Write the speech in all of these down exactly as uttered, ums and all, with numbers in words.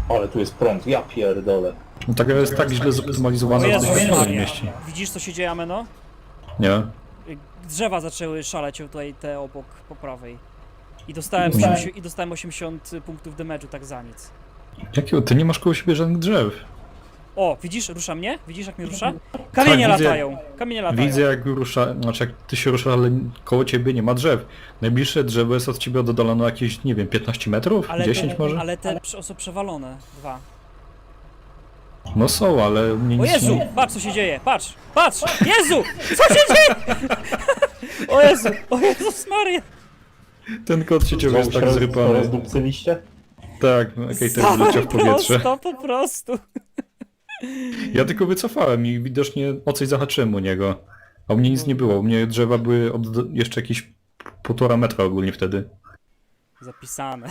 Ale tu jest prąd, ja pierdolę. No ta gra jest tak źle O zoptymalizowana, że Jezu, to się nie Maria. mieści. Widzisz co się dzieje, Ameno? Nie? Drzewa zaczęły szaleć tutaj te obok, po prawej. I dostałem, No. osiemdziesiąt, i dostałem osiemdziesiąt punktów damage'u tak za nic. Jakiego? Ty nie masz koło siebie żadnych drzew. O, widzisz? Rusza mnie? Widzisz jak mnie rusza? Kamienie Tak, widzę. latają! Kamienie latają. Widzę jak rusza, znaczy jak ty się ruszasz, ale koło ciebie nie ma drzew. Najbliższe drzewo jest od ciebie oddalone jakieś, nie wiem, piętnaście metrów? Ale dziesięć te, może? Ale te prze- są przewalone. Dwa. No są, ale mnie O nic Jezu! nie... Patrz co się dzieje! Patrz! Patrz! Jezu! Co się dzieje? O Jezu! O Jezus Maria! Ten kot się ciągle jest tak roz, zrypany. rozdupcyliście? Tak, okej, ten wyleciał w powietrze. Prosto, po prostu. Ja tylko wycofałem i widocznie o coś zahaczyłem u niego. A u mnie nic nie było, u mnie drzewa były od jeszcze jakieś półtora metra ogólnie wtedy. Zapisane.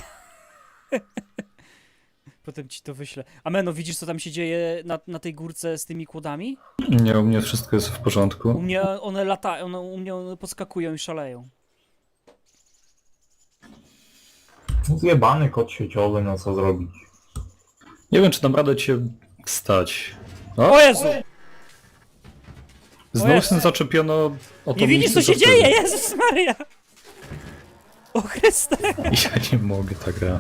Potem ci to wyślę. Ameno, widzisz co tam się dzieje na, na tej górce z tymi kłodami? Nie, u mnie wszystko jest w U porządku. mnie one latają, one, u mnie one podskakują i szaleją. Zjebany kot sieciowy, no co zrobić? Nie wiem, czy dam radę cię stać. O Jezu! Znowu Jezu. się zaczepiono o to Nie widzisz co miejsce, się co dzieje? Jezus Maria! O Chryste! wtedy. Ja nie mogę, ta gra.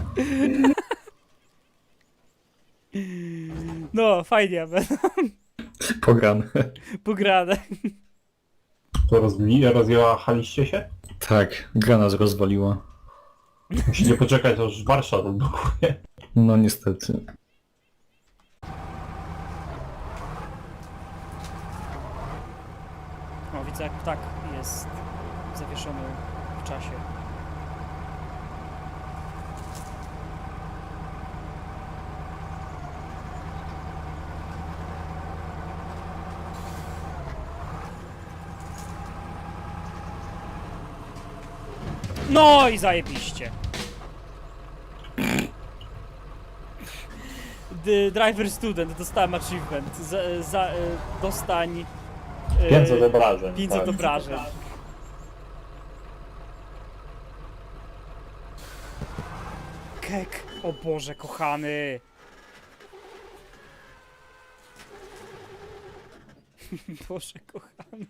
No, fajnie, Ameno. Pograne. Pograne. To rozbili, rozjechaliście się? Tak, gra nas rozwaliła. Musicie poczekać, aż Warszawa odblokuje. No niestety. O, widzę jak ptak jest zawieszony w czasie. No i zajebiście. The driver student, dostałem achievement. Za, za, e, dostań... e, pięćset obrażeń. pięćset tak. obrażeń. Kek, o Boże kochany. Boże kochany.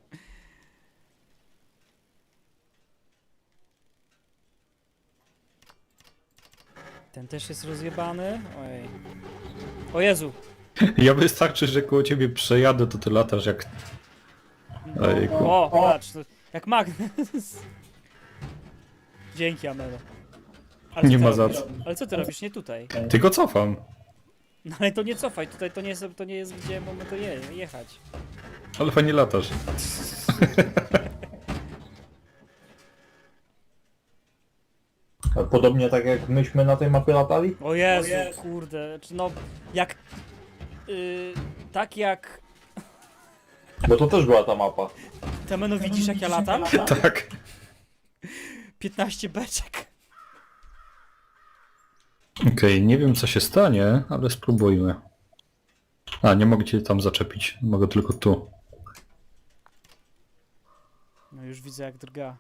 Ten też jest rozjebany? Ojej. O Jezu! Ja wystarczy, że koło ciebie przejadę, to ty latasz jak... Ojejku. O, patrz, to jak magnes. Dzięki, Amelo. Ale co Nie ty ma za robisz? co. Ale co ty robisz? Nie tutaj. Tylko cofam. No ale to nie cofaj, tutaj to nie jest, to nie jest gdzie mamy to je, jechać. Ale fajnie latasz. Podobnie tak jak myśmy na tej mapie latali? O Jezu, kurde, czy no, jak... Yy, tak jak... Bo to też była ta mapa. Ty, Ameno, widzisz jak ja latam? Tak. piętnaście beczek. Okej, nie wiem co się stanie, ale spróbujmy. A, nie mogę cię tam zaczepić. Mogę tylko tu. No już widzę jak drga.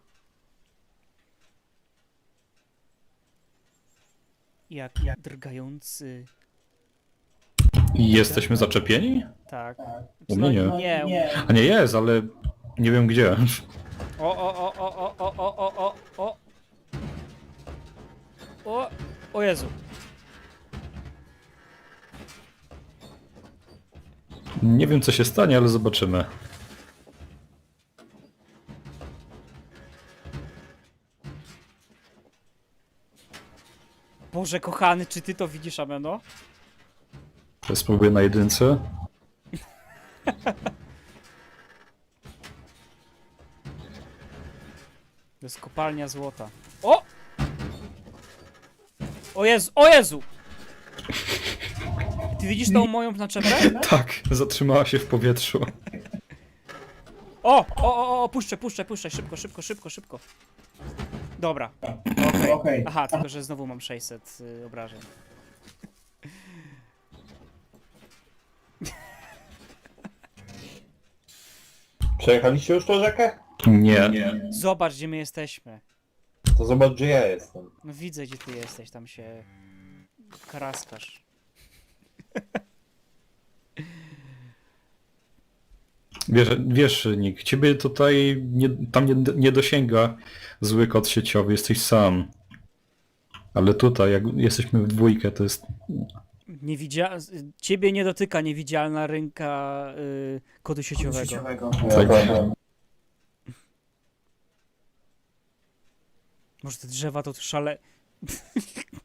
Jak drgający. I jesteśmy zaczepieni? Tak. U mnie nie. Nie. nie. A nie jest, ale nie wiem gdzie. O, o, o, o, o, o, o, o, o, o. O, o Jezu. Nie wiem co się stanie, ale zobaczymy. Boże kochany, czy ty to widzisz, Ameno? Ja spróbuję na jedynce. To jest kopalnia złota. O! O Jezu, o Jezu! Ty widzisz tą moją naczepę? Tak, zatrzymała się w powietrzu. O! O, o, o, puszczę, puszczę, puszczę, szybko, szybko, szybko, szybko. Dobra. Okej. Aha, tylko że znowu mam sześćset y, obrażeń. Przejechaliście już tą rzekę? Nie. Zobacz, gdzie my jesteśmy. To zobacz, gdzie ja jestem. No widzę, gdzie ty jesteś, tam się karaskasz. Wiesz, wiesz, Nick, ciebie tutaj nie, tam nie, nie dosięga zły kod sieciowy, jesteś sam. Ale tutaj, jak jesteśmy w dwójkę, to jest... Niewidzia... Ciebie nie dotyka niewidzialna ręka y, kodu sieciowego. Tak. Może te drzewa to szale...